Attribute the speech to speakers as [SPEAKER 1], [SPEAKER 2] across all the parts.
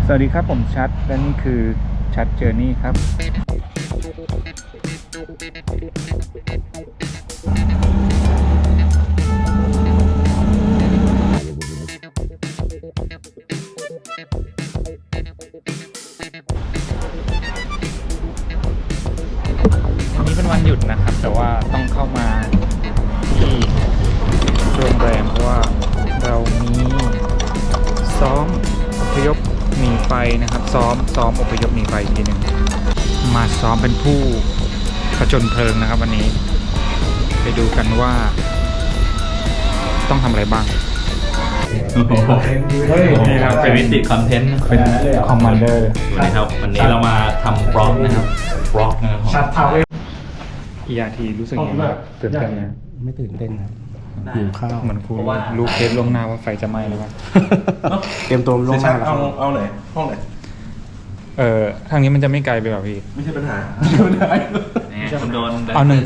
[SPEAKER 1] สวัสดีครับผมชัดและนี่คือชัดเจอร์นี่ครับวันนี้เป็นวันหยุดนะครับแต่ว่าต้องเข้ามาที่โรงแรมเพราะว่าเรามีซ้อมอพยพหนีไฟนะครับซ้อมอพยพหนีไฟทีหนึ่งมาซ้อมเป็นผู้ผจญเพลิงนะครับวันนี้ไปดูกันว่าต้องทำอะไรบ้าง
[SPEAKER 2] นี่ครับเป็นวิติคอนเทนต์
[SPEAKER 1] เป็นคอมมานเดอร์
[SPEAKER 2] สวัสดีครับวันนี้เรามาทำบล็อกนะครับบล็อกนะครับ
[SPEAKER 1] ชัดเท้าอีอาทีรู้สึกยังไงครับตื่นเต้นไหม
[SPEAKER 3] ไม่ตื่นเต้นนะหิวข้าว
[SPEAKER 1] เหมือนคุณรู้เคสล่วงหน้าว่าไฟจะไหม้แล้วครับ
[SPEAKER 3] เตรียมตัวล่วงหน้าแล้ว
[SPEAKER 4] เอาไหนห้องไหน
[SPEAKER 1] ทางนี้มันจะไม่ไกลไปหรอพี่
[SPEAKER 4] ไม่ใช่ปัญหา
[SPEAKER 2] คุณโดน
[SPEAKER 1] เอา17
[SPEAKER 4] 17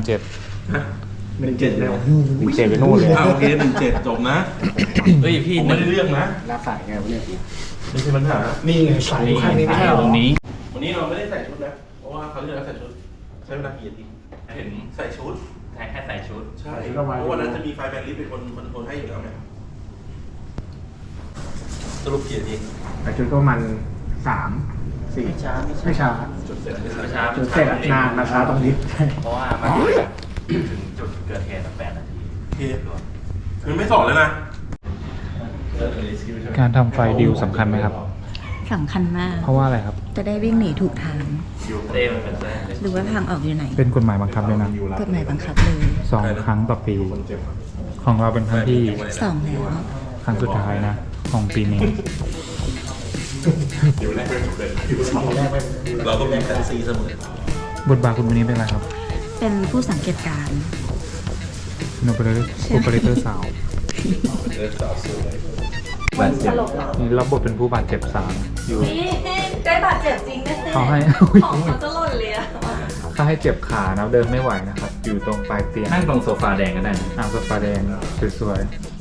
[SPEAKER 4] แล้ว
[SPEAKER 1] 17ไปนู่นเลย
[SPEAKER 4] โอเค17จบนะ
[SPEAKER 2] เฮ้ยพี่
[SPEAKER 4] ไม่ได้เรื่องนะ
[SPEAKER 3] รับสายไงวะเนี่ย
[SPEAKER 4] ไม่ใช่ปัญหา
[SPEAKER 3] นี่ไงสายอยู่ข้างนี้ไม่ใช่หรอ
[SPEAKER 2] ตรงนี้
[SPEAKER 4] วันนี้เราไม่ได้ใส่ชุดนะเพราะว่าเขาเลือกใส่ชุดใช้เวลากี่นาทีเห็นใส่ชุด
[SPEAKER 2] แค่ใส่ชุด
[SPEAKER 4] ใช่เพราะวันนั้นจะมีไฟแบนลิฟต์เป็นคนให้อยู่แล้วไงสรุปกี่นาที
[SPEAKER 3] แต่ชุดก็มัน3-4ไม่ช้า
[SPEAKER 4] จุดเสร็จ
[SPEAKER 3] จุดเสร็จนานมาช้าตรงนี้
[SPEAKER 2] เพราะว่ามาถึงจุดเกิดเหตุ8 นาที
[SPEAKER 4] โอเคคือไม่สอนเลยนะ
[SPEAKER 1] การทำไฟดิวสำคัญไหมครับ
[SPEAKER 5] สำคัญมาก
[SPEAKER 1] เพราะว่าอะไรครับ
[SPEAKER 5] จะได้วิ่งหนีถูกทางหรือว่าทางออกอยู่ไหน
[SPEAKER 1] เป็นกฎหมายบังคับเลยนะ
[SPEAKER 5] กฎหมายบังคับเลย
[SPEAKER 1] 2 ครั้งต่อปีของเราเป็นครั้งที่
[SPEAKER 5] 2แล้ว
[SPEAKER 1] ครั้งสุดท้ายนะของปีนี้
[SPEAKER 4] เราก็มีแฟนซีเสม
[SPEAKER 1] อบทบาทคุณวันนี้เป็นอะไรครับ
[SPEAKER 5] เป็นผู้สังเกตการณ์
[SPEAKER 1] โอเปอเรเตอร์สาว
[SPEAKER 2] บาดเจ็บ
[SPEAKER 1] นี่รับบทเป็นผู้บาดเจ็บสาวอยู่
[SPEAKER 5] ได้บาดเจ็บจริงนะ
[SPEAKER 1] เขาให้
[SPEAKER 5] ของเขาจะหล่นเลยอะ
[SPEAKER 1] เขาให้เจ็บขานะเดินไม่ไหวนะครับอยู่ตรงปลายเตียง
[SPEAKER 2] นั่งตรงโซฟาแดงก็ได้
[SPEAKER 1] โซฟาแดงสวย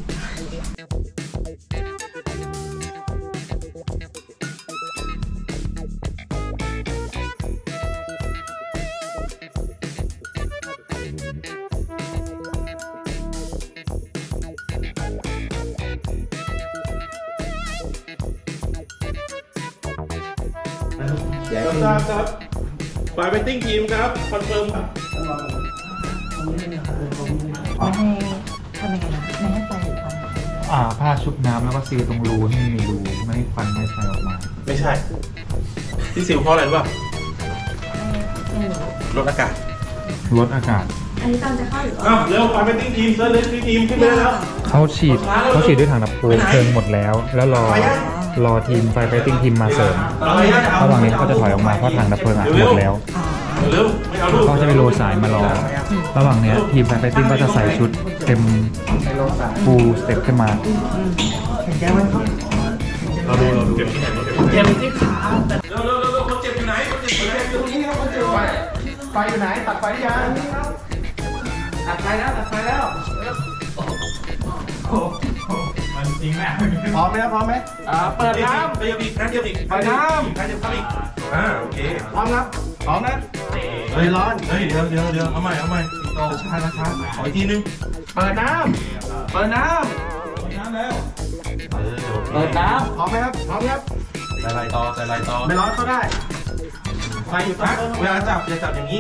[SPEAKER 4] ครับฝ่ายเวทติ้งทีมครับคอนเฟิร์มครับ
[SPEAKER 5] ไม่ให้ทำยังไงนะไม่ให้ไฟหรือควัน
[SPEAKER 1] ผ้าชุบน้ำแล้วก็ซีลตรงรูให้มีรูไม่ให้ควันไม่ไฟออกมา
[SPEAKER 4] ไม่ใช่ที่ซิลเพราะอะไรรู้ป่ะลดอากาศ
[SPEAKER 5] อันนี้ตอนจะเข้าหรือ
[SPEAKER 4] เร็วฝ่ายเวทติ้งทีมเซิร์ฟเลสทีมขึ้นไปแล้ว
[SPEAKER 1] เขาฉีดด้วยถังดับเพลิงหมดแล้วรอทีมไฟติ้งทีมมาเสริมระหว่างนี้เขาจะถอยออกมาเพราะถังดับเพลิงหมดแล้วเขาจะไปโรสายมารอระหว่างนี้ทีมไฟติ้งก็จะใส่ชุดเต็มฟูลสเต็ปขึ้นมา
[SPEAKER 4] เราดูเจ็บที่ไหนเจ็บที่ขาเร็วคนเจ็บอยู่ไหนคนเจ็บอยู่ตรงนี้ครับคนเจ็บ
[SPEAKER 3] ไฟอยู่ไหนตัดไฟยังตัดไฟแล้ว
[SPEAKER 4] มันจริงแม่
[SPEAKER 3] พร้อมไหมเปิดน้ำ
[SPEAKER 4] เดียวอีก
[SPEAKER 3] ไฟน้ำ
[SPEAKER 4] อีกโอเค
[SPEAKER 3] พร้อมนะเฮ้ยร้อน
[SPEAKER 4] เดี๋ยวเอาใหม่ช้าขออีกทีนึง
[SPEAKER 3] เปิดน้ำ
[SPEAKER 4] แล้ว
[SPEAKER 3] เปิดน้ำพร้อมครับ
[SPEAKER 4] ใส่ลายต่อ
[SPEAKER 3] ไม่ร้อนเข้าได้
[SPEAKER 4] ไฟอยู่นะเวลาจับอย่าจับอย่างนี้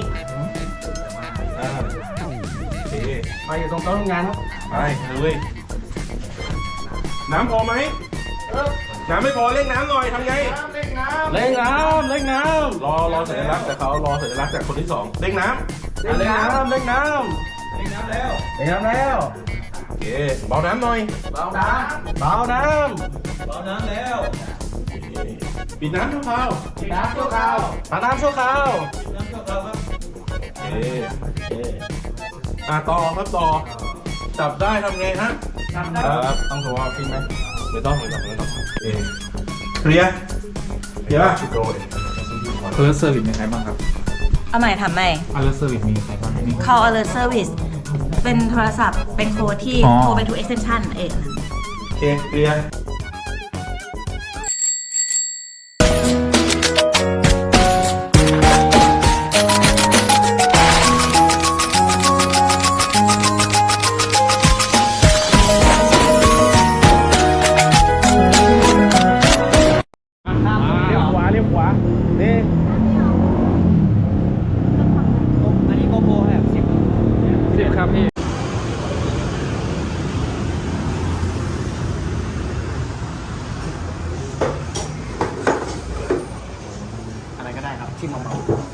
[SPEAKER 4] โอเค
[SPEAKER 3] ไฟอยู่ตรงโต๊ะทำงานครับ
[SPEAKER 4] ไปเลยน้ำพอไหมน้ำไม่พอเร่งน้ำหน่อยทำไง
[SPEAKER 3] เร่งน้ำ
[SPEAKER 4] รอสัญลักษณ์แต่เขารอสัญลักษณ์จากคนที่2เร่งน้ำ
[SPEAKER 3] แล้ว
[SPEAKER 4] โอเคเบาน้ำหน่อย
[SPEAKER 3] เบาน้ำ
[SPEAKER 4] แล้วปิดน้ำชั่วคราว
[SPEAKER 3] ตัดน้ำชั่วคราว
[SPEAKER 4] โอเคต่อครับจับได้ทำไงฮะ
[SPEAKER 3] ต้องโทรฟิล์มไหม
[SPEAKER 4] ไม่ต้องเคลียร์ป่ะ
[SPEAKER 1] เออร์เซอร์วิสมีใครบ้างครับ
[SPEAKER 5] เอาใหม่ทำใหม่
[SPEAKER 1] เออร์เซอร์วิสมีใครบ้าง
[SPEAKER 5] call alert service เป็นโทรศัพท์เป็นโค้ดที่โทรไปทุก extension
[SPEAKER 4] โอเคเคลียร์
[SPEAKER 3] ที่มาเมา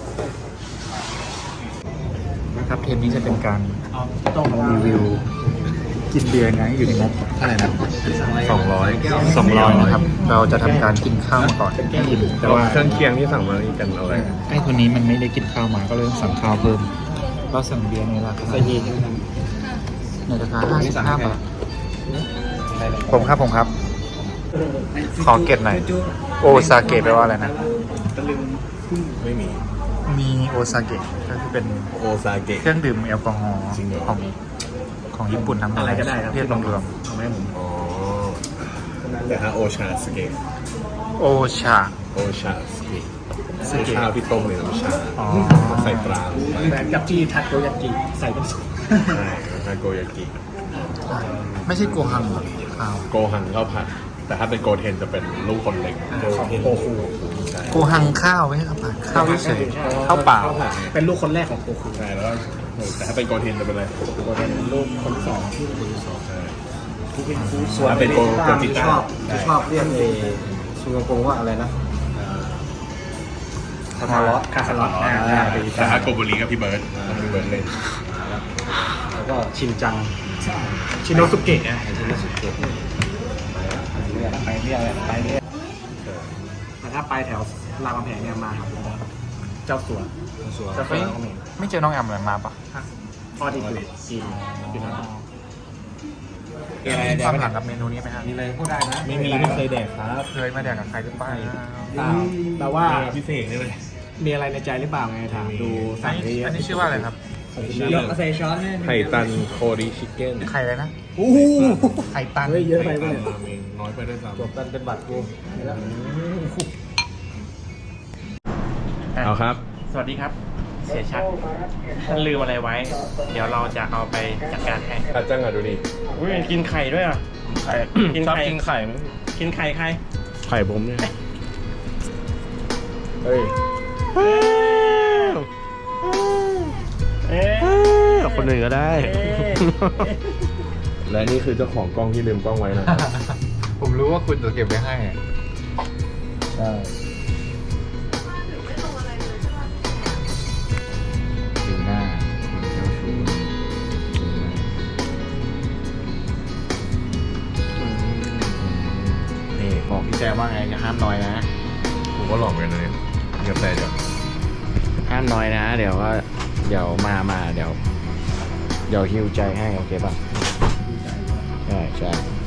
[SPEAKER 1] นะครับเทปนี้จะเป็นการรีวิวกินเบียร์ไงอยู่ในงบเท่าไหร่นะ200นะครับ เราจะทำการกินข้าวมาก่อนให้อิ่มแต่ว่า
[SPEAKER 4] เครื่องเคียงที่สั่งมานี่กันเอาอะไร
[SPEAKER 1] ไอ้คนนี้มันไม่ได้กินข้าวมาก็เลยต้องสั่งข้าวเพิ่มเราสั่งเบียร์ในราคาในราคา55 บาทผมครับ ขอเก็บหน่อยโอซาเกะแปลว่าอะไรนะ
[SPEAKER 4] ไม่มี
[SPEAKER 1] มีโอซาเกะก็คือเป็น
[SPEAKER 4] โอซาเกะ
[SPEAKER 1] เครื่องดื่มแอลกอฮอล์
[SPEAKER 4] จริงเหรอ
[SPEAKER 1] ของญี่ปุ่นทั้งหมด
[SPEAKER 3] อะไรก็ได้ครับ
[SPEAKER 1] เรียกรวม
[SPEAKER 3] เอาไหมผม
[SPEAKER 4] อ๋อแต่ถ้าโอชาสเกะ
[SPEAKER 1] ๆโอชา
[SPEAKER 4] โอชาสเกะคือข้าวที่ต้มในน้ำชา
[SPEAKER 1] อ๋อ
[SPEAKER 4] ใส่ปลาลงไป
[SPEAKER 3] เหมือนกับที่ทัดโดยากิใส่เป็นสูตร
[SPEAKER 4] ใช่แล้วก็โกยากิ
[SPEAKER 1] ไม่ใช่โกฮังหรอข้าว
[SPEAKER 4] โกหังข้าวผัด แต่ถ้าเป็นโกเทนจะเป็นลูกคนเล็ก
[SPEAKER 3] ของโกคู
[SPEAKER 4] ใช่
[SPEAKER 1] โกฮังข้าวไม่ใช่ข้าวผัดข้าวเฉยๆข้าวเปล่า
[SPEAKER 4] ข้าวผัด
[SPEAKER 3] เป็นลูกคนแรกของโกคู
[SPEAKER 4] ใช่แล้วก็แต่ถ้าเป็นโกเทนจะเป็นอะไร
[SPEAKER 3] โกเป็นลูกคนที่สองที่
[SPEAKER 4] ใช่
[SPEAKER 3] ส่วน
[SPEAKER 4] ถ้าเป็นโกจิต้า
[SPEAKER 3] ชอบเรียกซูโงโกว่าอะไรนะคาคาร์ลอตคาคาร์ลอต
[SPEAKER 4] แต่ถ้าโกบุรีกับพี่เบิร์ดพี่เบิร์ดเล่น
[SPEAKER 3] แล้วก็ชินจังชินโนสุเกะชินโนสุเกะไปเรื่อยแต่ถ้าไปแถวรามคำแหงเนี่ยมาครับเจ้าสัวเจ้าสัว
[SPEAKER 1] ไม่ไม่เจอน้องแอมเลยมาปะ
[SPEAKER 3] ทอดที่คือจีนเป็นอะไร
[SPEAKER 1] มีความหลังกับเมนูนี้ไหมครับ
[SPEAKER 3] มีอะไรพูดได้นะ
[SPEAKER 4] ไม่เคยแดกครับ
[SPEAKER 1] เคยมาแดกกับใครหรือเปล่า
[SPEAKER 3] แต่ว่า
[SPEAKER 4] พิเศษนี่เลย
[SPEAKER 3] มีอะไรในใจหรือเปล่าไงถามดู
[SPEAKER 1] อั
[SPEAKER 3] สั่
[SPEAKER 1] น
[SPEAKER 3] ง
[SPEAKER 1] นี้
[SPEAKER 3] เยอะ
[SPEAKER 1] อันนี้ชื่อว่าอะไรครับ
[SPEAKER 3] เยอะใส่ช้อนให้
[SPEAKER 4] ไข่ตันโคริชิคเก้น
[SPEAKER 1] ไข่เลยนะ
[SPEAKER 3] โอ้โห
[SPEAKER 1] ไข่ตัน
[SPEAKER 3] เฮ้ยเยอะไปเปล่า
[SPEAKER 4] ราเมงน้อยไปด้วยซ้
[SPEAKER 3] จบกันเป็นบัตรกู
[SPEAKER 4] ำเอาครับ
[SPEAKER 2] สวัสดีครับ เสียชัดท่านลืมอะไรไว้ เดี๋ยวเราจะเอาไปจัดการให้
[SPEAKER 4] อาจังอ่ะดูดิ
[SPEAKER 2] อุ้ยกินไข่ด้วยอ่ะไข่กิน
[SPEAKER 4] ชอบ
[SPEAKER 2] ไข่
[SPEAKER 4] กินไข่ไหม
[SPEAKER 2] กินไข่ใคร
[SPEAKER 4] ไข่ผมเนี่ยเฮ้ย คนหนึ่งก็ได้ และนี่คือเจ้าของกล้องที่ลืมกล้องไว้นะครับ
[SPEAKER 1] ผมรู้ว่าคุณจะเก็บไว้ให้อะ
[SPEAKER 4] ใช่
[SPEAKER 1] ดูหน้าคุณเจ้าชู้นี่บอกพี่แจว่าไงอย่าห้ามน้อยนะ
[SPEAKER 4] ผมก็หลอกไปเลยกาแฟเดี๋ยว
[SPEAKER 2] ห้ามน้อยนะ เดี๋ยวมาเดี๋ยวฮิวใจให้โอเคป่ะ ใช่